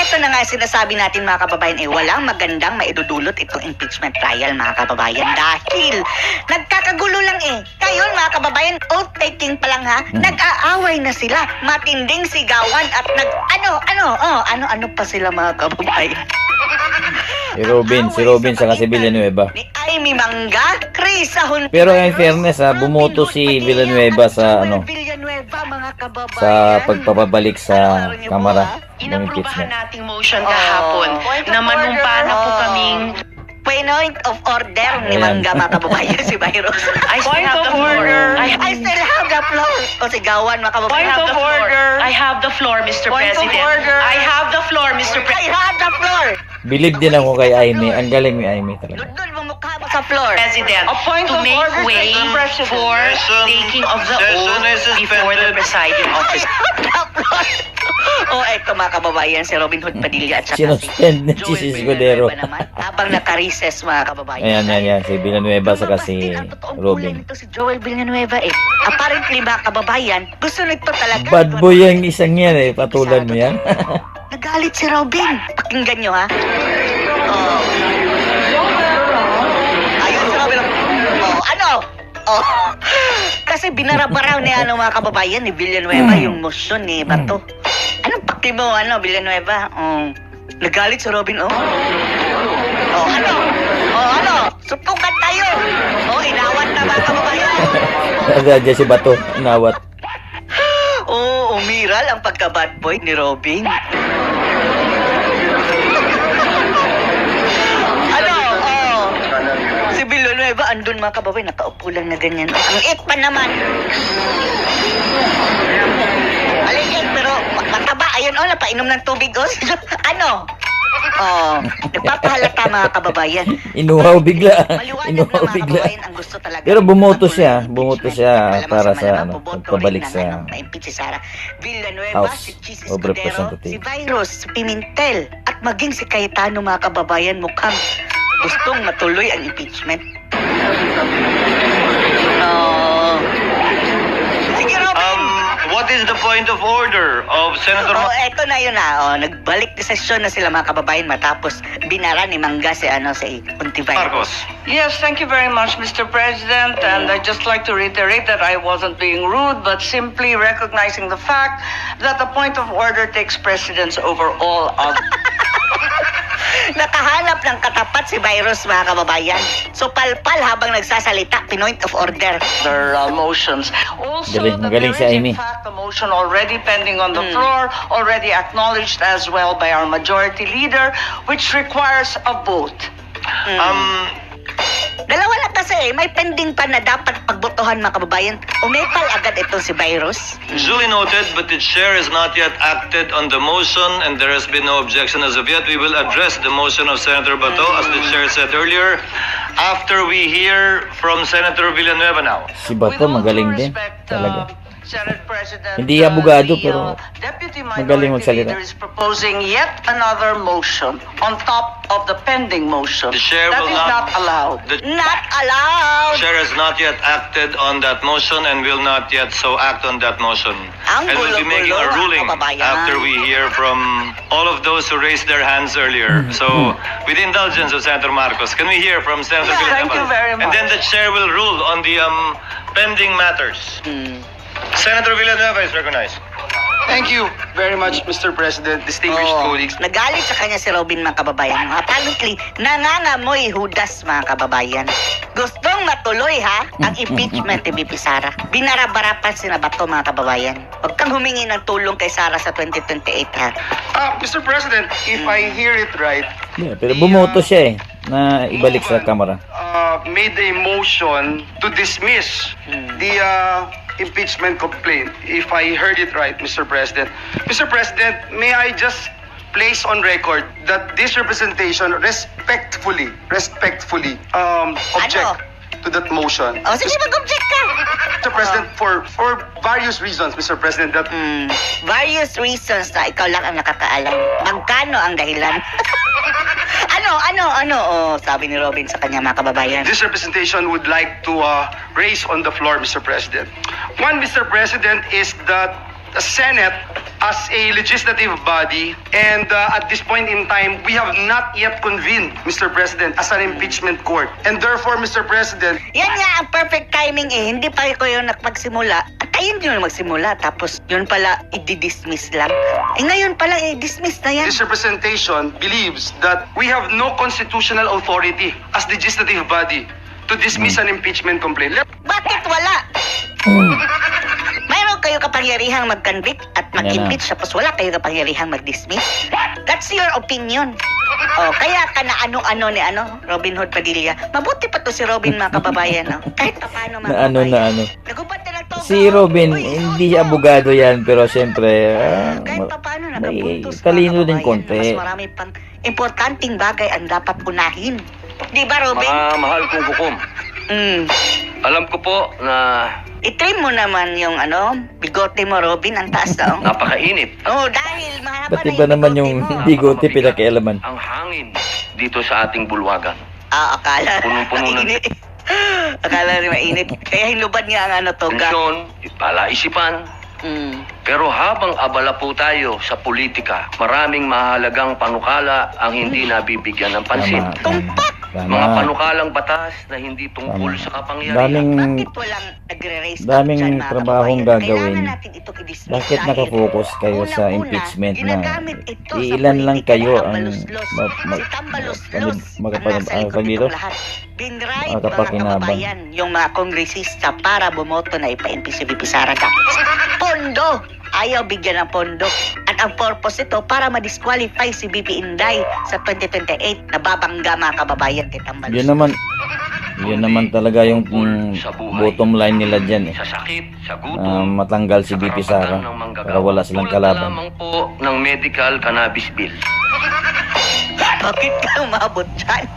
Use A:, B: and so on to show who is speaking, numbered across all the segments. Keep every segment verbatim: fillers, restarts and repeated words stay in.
A: eto na nga sinasabi natin mga kababayan, eh walang magandang maidudulot itong impeachment trial mga kababayan dahil nagkakagulo lang eh. Ngayon mga kababayan, oath-taking pa lang ha,
B: Hmm.
A: nag-aaway na sila, matinding sigawan at nag, ano, ano, oh, ano-ano pa sila mga kababayan.
B: Si Robin, si Robin sa kasi Villanueva.
A: Ni Amy Mangga, Chris Ahon.
B: Pero in fairness ha, bumoto si Villanueva sa ano,
A: Villanueva, mga kababayan.
B: sa pagpapabalik sa Kamara ng
C: Inaprubahan
B: impeachment.
C: nating motion kahapon
A: Point of
C: na manumpa na po
A: order.
C: kaming
A: Point of order ni
B: Ayan.
A: Mangga, mga kababayan, si Byros.
C: I still
D: Point
C: have
D: of
C: the floor.
D: order.
C: I,
A: I still have the floor. O sigawan, mga kababayan.
C: I have
D: Point
C: the
D: of
C: floor.
D: order.
C: I have the floor, Mister
D: Point of
C: President.
D: order.
C: I have the floor, Mister
A: I
C: President.
A: have the floor.
B: Believe din ako kay Amy. Ang galing ni Amy talaga.
A: Dudol mo mukha mo sa floor.
C: President,
D: A point
C: to
D: of
C: make
D: order,
C: way
D: Mister President.
C: for
E: Session-
C: taking of the
E: session
C: oath
E: is
C: before the
E: suspended.
C: presiding
A: I
C: officer.
A: have the floor. O eto mga kababayan, si Robin Hood Padilla at saka
B: Sinuspend ni
A: Joel
B: si Escudero.
A: Villanueva naman, habang naka-recess mga kababayan.
B: Ayan, yan, yan. Si Villanueva saka si
A: Ang totoong kulay
B: Robin.
A: nito si Joel Villanueva eh. Apparently mga kababayan, gusto nito talaga.
B: Bad boy yung isang yan eh. Patulan mo yan.
A: Nagalit si Robin. Pakinggan nyo ha. Oh. Ayun si Robin. Oh, ano? Oh. Kasi binarabaraw ni ano mga kababayan ni Villanueva yung motion ni Bato. Anong paki mo ano Villanueva? Oh. Nagalit si Robin oh. Oh, ano? Oh, ano? Supukan tayo. Oh, inawat na mga kababayan.
B: Nadadya si Bato. Nawat.
A: Oo, oh, umiral ang pagka-bad boy ni Robin. Ano? Oh. Si Villanueva, andun mga kababayan, nakaupo lang na ganyan. Ang it pa naman. Maliit, pero ma- mataba. Ayun, oh, napainom ng tubig, oh. Ano? Oh, nagpapahalata mga kababayan.
B: Inuhaw bigla.
A: Maliwanag na
B: Inuhaw
A: mga
B: bigla.
A: kababayan ang gusto talaga.
B: Pero bumoto
A: ng
B: siya.
A: impeachment.
B: Bumoto siya
A: Malamang
B: para sa
A: malamang
B: ano,
A: boboto
B: pagpabalik
A: rin ng,
B: sa
A: ano, na-impeach si Sara Villanueva,
B: House
A: si Chis
B: of
A: Escudero,
B: Representatives.
A: si Virus, si Pimentel, at maging si Cayetano mga kababayan mukhang gustong matuloy ang impeachment. Oh. Sige, Robin!
E: Um, what is the point of order of Senator
A: Oh, eto na yun na. Oh, nagbalik na sesyon na sila mga kababayan matapos binara ni Mangga si ano si Puntivay.
E: Marcos?
D: Yes, thank you very much, Mister President. And I'd just like to reiterate that I wasn't being rude, but simply recognizing the fact that the point of order takes precedence over all other.
A: Nakahanap ng katapat si Virus mga kababayan. So palpal habang nagsasalita, pinoint of order.
D: Their uh, motions. Also,
B: Galing,
D: that
B: magaling
D: there
B: si
D: is
B: Amy.
D: in fact a motion already pending on the
A: Mm.
D: floor, already acknowledged as well by our majority leader, which requires a vote.
A: Mm.
E: Um,
A: Dalawa na kasi eh. May pending pa na dapat pagbotohan mga kababayan. Umepal agad ito si Virus.
E: duly noted, but the chair has not yet acted on the motion and there has been no objection as of yet. We will address the motion of Senator Bato, as the chair said earlier, after we hear from Senator Villanueva now.
B: Si Bato
D: With all
B: magaling
D: due
B: din.
D: respect,
B: Talaga.
D: uh, Senate President,
B: Hindi
D: uh,
B: abogado,
D: the,
B: pero
D: uh, Deputy
B: magaling
D: Minority
B: magsalita.
D: Leader is proposing yet another motion on top of the pending motion.
E: The chair
D: That
E: will
D: is
E: not-
D: not allowed.
E: The
A: Not allowed!
E: chair has not yet acted on that motion and will not yet so act on that motion.
A: Ang
E: And we'll be making
A: gulo-gulo,
E: a
A: mga
E: ruling
A: kababayan.
E: after we hear from all of those who raised their hands earlier. So, with the indulgence of Senator Marcos, can we hear from Senator
D: Yeah,
E: Villanueva?
D: thank you very
E: And then
D: much.
E: the chair will rule on the um, pending matters.
A: Hmm.
E: Senator Villanueva is recognized.
F: Thank you very much, Mister President, distinguished
A: Oo.
F: colleagues.
A: Nagalit sa kanya si Robin mga kababayan. Apparently, nangangamoy Judas mga kababayan. Gustong matuloy ha ang impeachment ni B P Sara. Binarabara pa si Bato mga kababayan. Huwag kang humingi ng tulong kay Sara sa twenty twenty-eight ha.
F: Uh, Mister President, if I hear it right,
B: Yeah, pero bumoto siya eh. Na ibalik sa Kamara.
F: uh, made a motion to dismiss the uh, impeachment complaint. If I heard it right, Mister President. Mister President, may I just place on record that this representation respectfully, respectfully um, object to that motion.
A: O sige, mag-object ka!
F: Mister President, for for various reasons, Mister President, that
A: Hmm, various reasons na ikaw lang ang nakakaalam. Magkano ang dahilan? ano, ano, ano? Oh, sabi ni Robin sa kanya mga kababayan.
F: this representation would like to uh, raise on the floor, Mister President. One, Mister President, is that Senate as a legislative body, and uh, at this point in time, we have not yet convened, Mister President, as an impeachment court. And therefore, Mister President,
A: Yan nga ang perfect timing eh. Hindi pa ko yung nagpagsimula. At ayun yung magsimula. Tapos yun pala, i-dismiss lang. Eh ngayon pala, i-dismiss na yan.
F: this representation believes that we have no constitutional authority as legislative body to dismiss an impeachment complaint. Let-
A: Bakit wala? Mayroon kayo kapangyarihang mag-convict at mag-impeach tapos wala kayo kapangyarihang mag-dismiss? That's your opinion. Oh, kaya ka na ano-ano ni ano, Robin Hood Padilla. Mabuti pa to si Robin, mga kababayan, no? Kahit pa paano, mga
B: Na ano,
A: kababayan.
B: na ano.
A: Nagubad na lang to.
B: Si Robin,
A: Uy,
B: hindi siya abogado yan, pero siyempre, ah,
A: kahit
B: ma-
A: pa paano,
B: may
A: nakabuntos, mga
B: talino din
A: kababayan,
B: konti.
A: Mas marami pang importanteng bagay ang dapat unahin. Di ba, Robin?
G: Mga mahal kong hukom,
A: Mm.
G: alam ko po na
A: I-trim mo naman yung ano, bigote mo, Robin, ang taas na. Oh.
G: napakainit
A: Oh, dahil mahaba
B: Pati
A: na
B: ba naman yung
A: bigote mo.
B: bigote pinakialaman?
G: ang hangin dito sa ating bulwagan.
A: Ah, akala.
G: Punong-puno na.
A: Mainit. Akala rin mainit. Kaya hinubad nga ang ano, toga.
G: Tensyon, palaisipan.
A: Mm.
G: Pero habang abala po tayo sa politika, maraming mahalagang panukala ang hindi nabibigyan ng pansin.
B: Tama, tama,
A: Tumpak!
G: Mga
B: tama.
G: panukalang batas na hindi tungkol
B: Tama.
G: sa kapangyarihan.
B: Daming,
A: Bakit walang nagre-raise up
B: daming
A: dyan, mga
B: trabahong
A: kababayan?
B: gagawin.
A: Kailangan natin ito i-dismiss
B: bakit
A: dahil
B: nakafocus kayo sa
A: unang-una,
B: impeachment na
A: ginagamit ito sa
B: iilan lang
A: politika
B: kayo
A: ng
B: ang
A: Tambaluslos.
B: ma- ma-
A: Si Tambaluslos
B: mag- magpapag-
A: ang nasa
B: ano
A: likod
B: tawag dito?
A: nitong lahat. Binribe, mga
B: Magkapakinabang.
A: kababayan, yung mga kongresista para bumoto na ipa-impeach si V P Sara Duterte. Pondo! Ayaw bigyan ng pondo. At ang purpose ito para ma-disqualify si B P Inday sa twenty twenty-eight na babangga, mga kababayan, kay Tambaluslos.
B: Yun naman, yun naman talaga yung mm, bottom line nila dyan eh.
G: Sa sakit, sa
B: Ah,
G: gutom,
B: matanggal si
G: sa
B: B P
G: karapatan
B: Sara
G: ng manggagawa.
B: para wala silang
G: Tulad na
B: kalaban.
G: lamang po ng medical cannabis bill.
A: Bakit ka umabot dyan?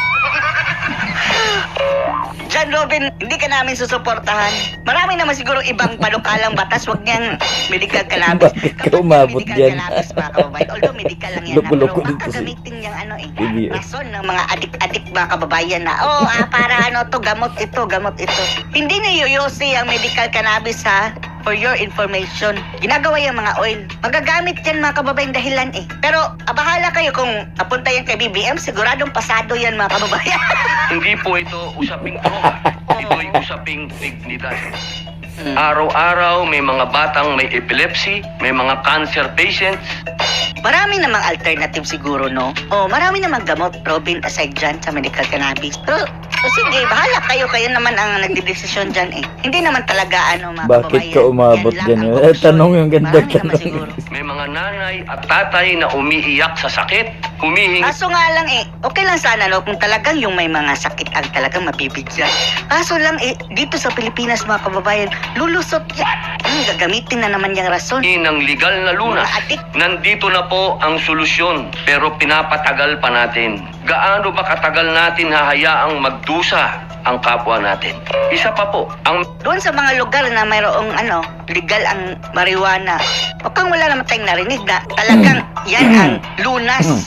A: Diyan, Robin, hindi ka namin susuportahan. Marami naman siguro ibang panukalang batas. Huwag niyang medical cannabis.
B: Bakit ka
A: Kapag
B: umabot
A: medical
B: dyan?
A: cannabis, mga kababayan, although medical lang yan.
B: Loko-loko
A: na, pero
B: dito
A: baka
B: si-
A: gamitin niyang ano eh.
B: Bibi, eh.
A: Rason ng mga adik-adik mga kababayan na, oh, ah, para ano to, gamot ito, gamot ito. Hindi niyuyusi ang medical cannabis, ha? For your information. Ginagawa yung mga oil. Magagamit yan, mga kababayan, dahilan eh. Pero, ah, bahala kayo kung apunta yan kay B B M, siguradong pasado yan, mga kababayan.
G: Hindi po ito usaping droga. Ito'y usaping dignidad.
A: Hmm.
G: Araw-araw may mga batang may epilepsy, may mga cancer patients.
A: Marami namang alternative siguro, no? O, marami namang gamot, Robin, aside dyan sa medical cannabis. Pero, o sige, bahala kayo. Kayo naman ang nagdidesisyon dyan eh. Hindi naman talaga, ano, mga
B: Bakit
A: kababayan.
B: ka umabot
A: Yan lang
B: dyan?
A: ang
B: Eh,
A: option.
B: tanong yung ganda
A: Marami naman
B: tanong.
A: siguro.
G: May mga nanay at tatay na umiiyak sa sakit, humihingi
A: Kaso nga lang eh, okay lang sana, no? Kung talagang yung may mga sakit ang talagang mabibigyan. Kaso lang eh, dito sa Pilipinas, mga kababayan, lulusot yan. Hmm, gagamitin na naman yung rason.
G: ng legal na lunas.
A: Mga adik.
G: Nandito na po ang solusyon, pero pinapatagal pa natin. Gaano ba katagal natin hahayaang magdusa ang kapwa natin? Isa pa po, ang
A: Doon sa mga lugar na mayroong ano, legal ang marijuana, o kung wala naman tayong narinig na talagang yan ang lunas.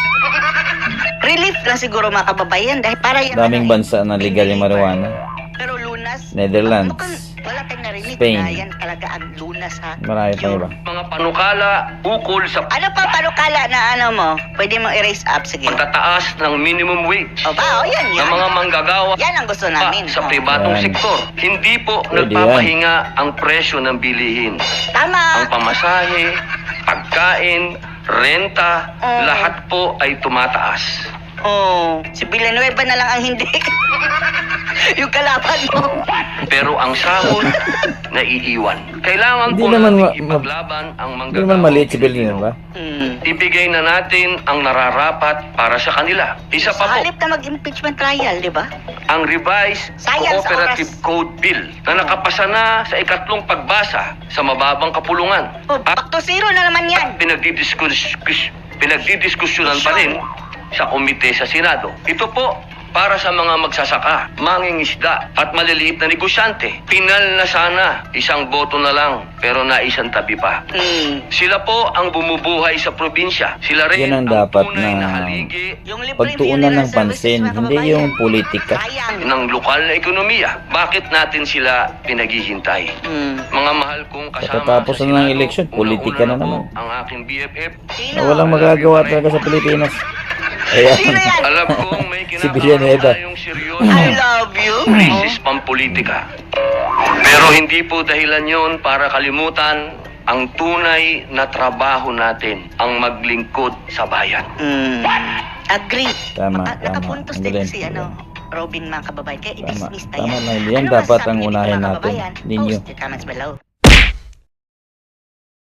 A: Relief lang siguro, mga kababayan, dahil para yan
B: Daming
A: ano, eh,
B: bansa na legal yung marijuana.
A: pero lunas,
B: Netherlands,
A: mukhang wala tayong narinig
B: Spain.
A: na yan talaga ang lunas, ha.
B: Marami pa iba.
G: mga panukala ukol sa
A: Ano pa panukala na ano mo? Pwede mong erase up, sige.
G: pagtataas ng minimum wage
A: O ba, o yan,
G: ng
A: yan.
G: mga manggagawa
A: Yan ang gusto
G: pa
A: namin.
G: sa
A: O.
G: pribadong
B: Yan.
G: sektor. Hindi po
B: Pwede
G: nagpapahinga ang presyo ng bilihin. Ang
A: Tama.
G: pamasahe, pagkain, renta,
A: Oo.
G: lahat po ay tumataas.
A: Oh, si Villanueva na lang ang hindi. Yung kalaban mo.
G: Pero ang sahod, naiiwan. Kailangan
B: Hindi
G: po
B: naman
G: natin
B: ma- ma-
G: ipaglaban ang
B: Hindi
G: manggagawa.
B: naman maliit si Villanueva.
A: Hmm.
G: Ibigay na natin ang nararapat para sa kanila. Isa
A: Sa
G: pa po,
A: halip na mag-impeachment trial, di ba?
G: ang revised
A: Sayang sa
G: Cooperative
A: oras.
G: Code Bill na nakapasa na sa ikatlong pagbasa sa mababang kapulungan.
A: Oh, back to zero na naman yan.
G: At pinagdidiskus pinagdidiskusyonan pa rin sa komite sa Senado. Ito po para sa mga magsasaka, mangingisda at maliliit na negosyante. Pinal na sana, isang boto na lang, pero naisang tabi pa.
A: Hmm.
G: Sila po ang bumubuhay sa probinsya. Sila rin
B: Yan ang dapat
G: tunay
B: na
G: haligi
A: Yung libreng
B: pagtuunan
A: funeral
B: ng pansin,
A: services, mga
B: hindi
A: kababayan.
B: yung politika.
A: Sayang.
G: ng lokal na ekonomiya. Bakit natin sila pinaghihintay?
A: Hmm.
G: Mga mahal kong kasama
B: Pagkatapos
G: sa
B: na ng
G: Senado,
B: eleksyon, politika
G: una-una
B: na
G: po
B: naman.
G: ang aking B F F.
A: Sino?
B: Na walang magagawa talaga sa Pilipinas. Ayan.
A: Sino yan?
G: Alam kong may
B: Si
G: kinakaroon
B: Villanueva.
G: tayong seryoso
A: I love you.
G: krisis pampolitika. Pero hindi po dahilan yon para kalimutan ang tunay na trabaho natin, ang maglingkod sa bayan.
A: Hmm. Agree.
B: Tama,
A: Maka-
B: tama.
A: Nakapuntos
B: Ang
A: din
B: galing.
A: si ano, Robin mga kababayan. Kaya
B: Tama.
A: i-dismiss na
B: Tama
A: yan.
B: lang. Yan
A: Ano
B: dapat
A: masasabi
B: ang
A: niyo dito,
B: unahin
A: mga
B: natin.
A: kababayan?
B: Ninyo.
A: Post your comments below.